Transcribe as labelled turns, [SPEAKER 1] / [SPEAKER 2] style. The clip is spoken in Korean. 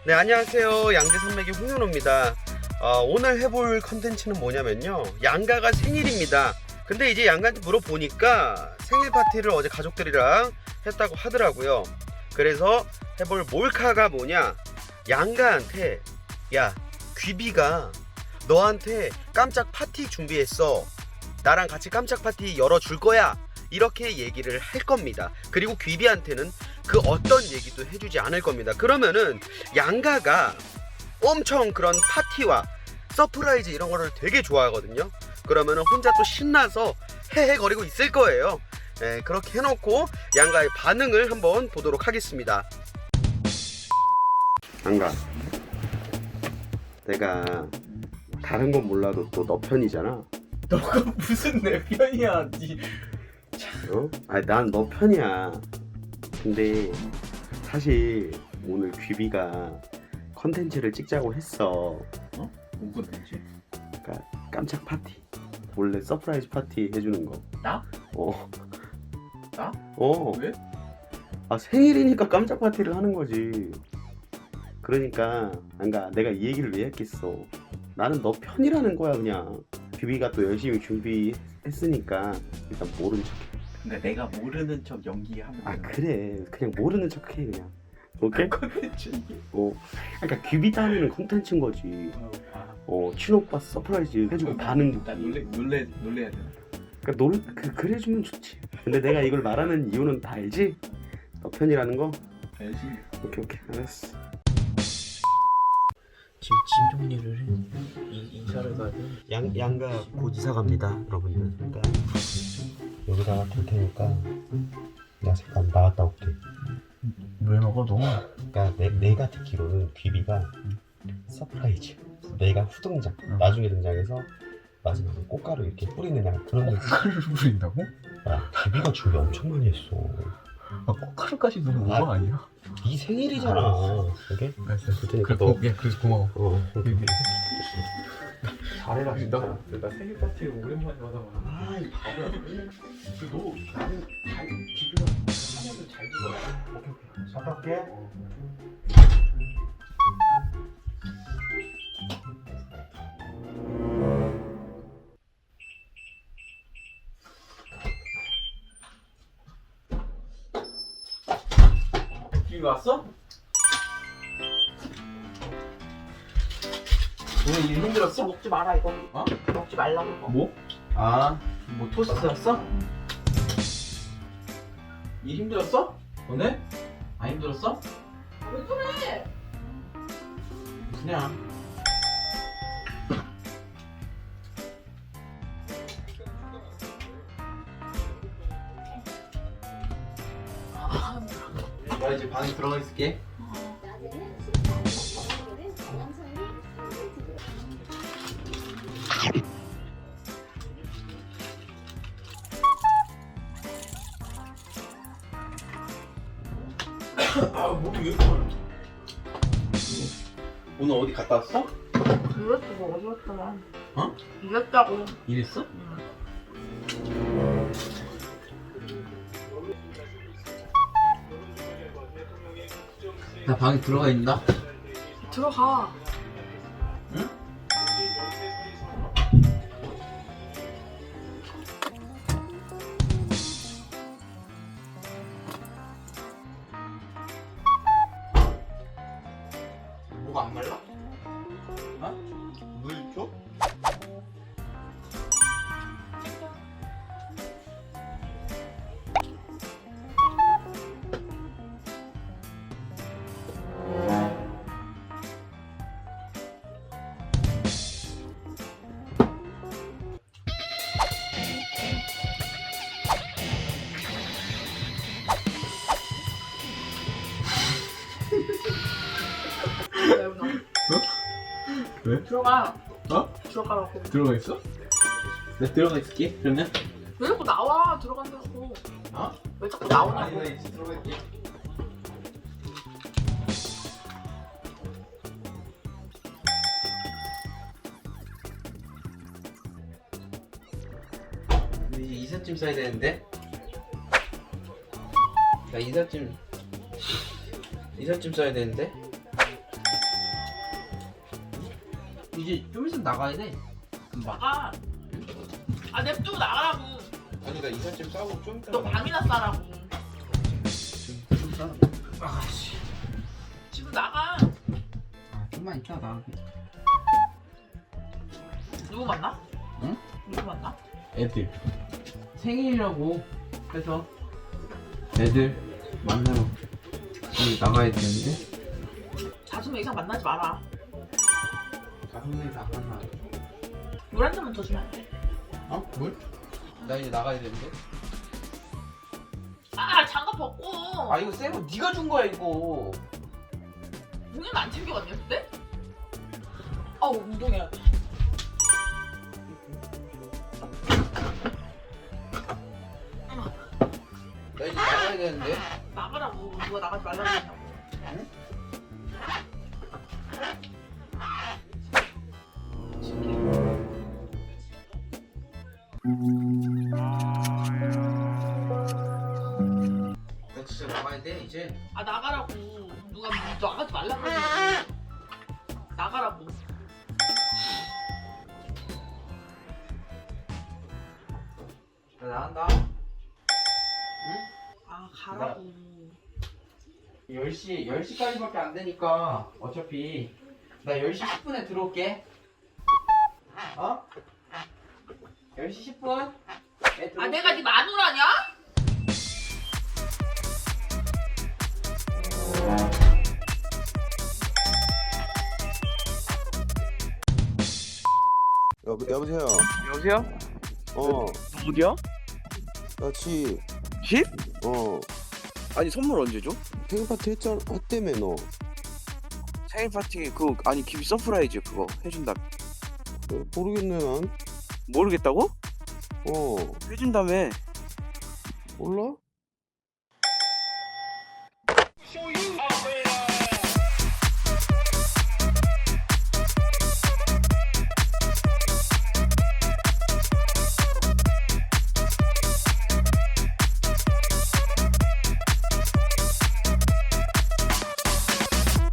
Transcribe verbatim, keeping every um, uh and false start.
[SPEAKER 1] 네, 안녕하세요. 양재산맥의 홍윤호입니다. 어, 오늘 해볼 컨텐츠는 뭐냐면요, 양가가 생일입니다. 근데 이제 양가한테 물어보니까 생일 파티를 어제 가족들이랑 했다고 하더라고요. 그래서 해볼 몰카가 뭐냐, 양가한테 야, 귀비가 너한테 깜짝 파티 준비했어, 나랑 같이 깜짝 파티 열어줄 거야, 이렇게 얘기를 할 겁니다. 그리고 귀비한테는 그 어떤 얘기도 해주지 않을 겁니다. 그러면은 양가가 엄청 그런 파티와 서프라이즈 이런 거를 되게 좋아하거든요. 그러면은 혼자 또 신나서 헤헤거리고 있을 거예요. 네, 그렇게 해놓고 양가의 반응을 한번 보도록 하겠습니다. 양가, 내가 다른 건 몰라도 또 너 편이잖아.
[SPEAKER 2] 너가 무슨 내 편이야? 니...
[SPEAKER 1] 어? 아니, 난 너 편이야. 근데 사실 오늘 귀비가 컨텐츠를 찍자고 했어.
[SPEAKER 2] 어? 뭔 건지?
[SPEAKER 1] 그러니까 깜짝 파티, 원래 서프라이즈 파티 해주는 거.
[SPEAKER 2] 나?
[SPEAKER 1] 어.
[SPEAKER 2] 나?
[SPEAKER 1] 어.
[SPEAKER 2] 왜?
[SPEAKER 1] 아, 생일이니까 깜짝 파티를 하는 거지. 그러니까 그러니까 내가 이 얘기를 왜 했겠어. 나는 너 편이라는 거야. 그냥 귀비가 또 열심히 준비했으니까 일단 모른 척해.
[SPEAKER 2] 근데 내가 모르는 척 연기하면
[SPEAKER 1] 아,
[SPEAKER 2] 되는 거야.
[SPEAKER 1] 그래, 그냥 모르는 척해 그냥. 오케이?
[SPEAKER 2] 컨텐츠.
[SPEAKER 1] 어. 그러니까 귀비 따위는 콘텐츠인 거지.
[SPEAKER 2] 어, 아.
[SPEAKER 1] 어, 친오빠 서프라이즈 해주고 반응.
[SPEAKER 2] 나 놀래 놀래 놀래야 되나?
[SPEAKER 1] 그러니까 노 그, 그래주면 좋지. 근데 내가 이걸 말하는 이유는 다 알지? 너 편이라는 거?
[SPEAKER 2] 알지.
[SPEAKER 1] 오케이 오케이 알았어.
[SPEAKER 3] 지금 짐 정리를 해. 이, 이사를 가야 돼.
[SPEAKER 1] 양 양가 곧 이사 갑니다, 여러분들. 그러니까 여기다가 둘 테니까 나 잠깐 나갔다 올게.
[SPEAKER 3] 왜 먹어 너?
[SPEAKER 1] 그러니까 내, 내가 듣기로는 귀비가 서프라이즈, 내가 후등장,
[SPEAKER 3] 응.
[SPEAKER 1] 나중에 등장해서 마지막에 꽃가루 이렇게 뿌리는 약간 그런 느낌.
[SPEAKER 3] 꽃가루를 뿌린다고?
[SPEAKER 1] 야, 귀비가 준비 엄청 많이 했어.
[SPEAKER 3] 아 꽃가루까지 너무 오버
[SPEAKER 1] 아,
[SPEAKER 3] 아니야?
[SPEAKER 1] 네 생일이잖아. 오케이?
[SPEAKER 3] 알았어.
[SPEAKER 1] 그러니까
[SPEAKER 3] 그래,
[SPEAKER 1] 너-
[SPEAKER 3] 고, 예, 그래서 고마워.
[SPEAKER 1] 어. 오케이.
[SPEAKER 3] 잘해라 진짜.
[SPEAKER 2] 나, 나 생일 파티를 오랜만에 받아봐.
[SPEAKER 1] 아이 바보야.
[SPEAKER 2] 너 나는 잘 기분을 하면서 잘 들어.
[SPEAKER 1] 갔다 올게.
[SPEAKER 2] 기분 왔어? 오늘 일 힘들었어?
[SPEAKER 4] 먹지 마라 이거.
[SPEAKER 2] 어?
[SPEAKER 4] 먹지 말라고. 이거.
[SPEAKER 2] 뭐? 아, 뭐 토스트였어? 일 힘들었어? 오늘? 안 힘들었어?
[SPEAKER 4] 왜 그래?
[SPEAKER 2] 그냥. 나 이제 방에 들어가 있을게. 아, 목이 왜 이렇게 마르지? 오늘 어디 갔다 왔어?
[SPEAKER 4] 이랬어 뭐 어디 갔더라.
[SPEAKER 2] 어?
[SPEAKER 4] 이랬다고.
[SPEAKER 2] 일했어? 나 방에 들어가 있나?
[SPEAKER 4] 들어가.
[SPEAKER 2] 응? 뭐가 안 말라? 어? 물 줘? 왜?
[SPEAKER 4] 들어가.
[SPEAKER 2] 어?
[SPEAKER 4] 들어가라고.
[SPEAKER 2] 들어가 있어? 나 들어가 있을게. 그러면?
[SPEAKER 4] 왜 자꾸 나와? 들어간다고.
[SPEAKER 2] 어?
[SPEAKER 4] 왜 자꾸 나오냐고.
[SPEAKER 2] 아니 나 이제 들어가 있게. 근데 이제 이삿짐 싸야 되는데. 나 이삿짐 이삿짐 써야 되는데. 이제 좀 있으면 나가야 돼. 금방.
[SPEAKER 4] 나가. 아 냅두고 나가라고.
[SPEAKER 2] 아니 나 이삿짐 싸고 좀 이따.
[SPEAKER 4] 너 밤이나 싸라고.
[SPEAKER 2] 좀 싸. 아씨.
[SPEAKER 4] 지금 나가.
[SPEAKER 2] 아 좀만 이따 나갈게.
[SPEAKER 4] 누구 만나?
[SPEAKER 2] 응?
[SPEAKER 4] 누구 만나?
[SPEAKER 2] 애들 생일이라고 해서 애들 만나러 지금 나가야 되는데.
[SPEAKER 4] 다섯 명 이상 만나지 마라.
[SPEAKER 2] 다섯 명이 다 만나.
[SPEAKER 4] 물 한 잔만 더 주면 안 돼?
[SPEAKER 2] 어? 뭘? 나 이제 나가야 되는데.
[SPEAKER 4] 아 장갑 벗고.
[SPEAKER 2] 아 이거 새거 네가 준 거야 이거.
[SPEAKER 4] 공연 안 챙겨갔냐 그때? 아우 운동해야 돼.
[SPEAKER 2] 나 이제 나가야 되는데.
[SPEAKER 4] 나가라고. 누가 나가지 말라고 했냐고.
[SPEAKER 2] 응? 나 진짜 나가야 돼 이제.
[SPEAKER 4] 아 나가라고. 누가 나가지 말라고 했냐고. 나가라고.
[SPEAKER 2] 나 나간다.
[SPEAKER 4] 아 가라고.
[SPEAKER 2] 열 시, 열 시까지밖에 안 되니까 어차피 나 열 시 십 분에 들어올게. 어? 열 시 십 분? 네,
[SPEAKER 4] 아 내가 네 마누라냐?
[SPEAKER 1] 여, 여보세요.
[SPEAKER 5] 여보세요?
[SPEAKER 1] 어,
[SPEAKER 5] 어디야?
[SPEAKER 1] 나 집.
[SPEAKER 5] 집?
[SPEAKER 1] 어,
[SPEAKER 5] 아니 선물 언제 줘?
[SPEAKER 1] 생일 파티 했잖아. 했다며 너.
[SPEAKER 5] 생일 파티 그거 아니 기비 서프라이즈 그거 해준다.
[SPEAKER 1] 어, 모르겠네 난.
[SPEAKER 5] 모르겠다고?
[SPEAKER 1] 어,
[SPEAKER 5] 해준다며.
[SPEAKER 1] 몰라?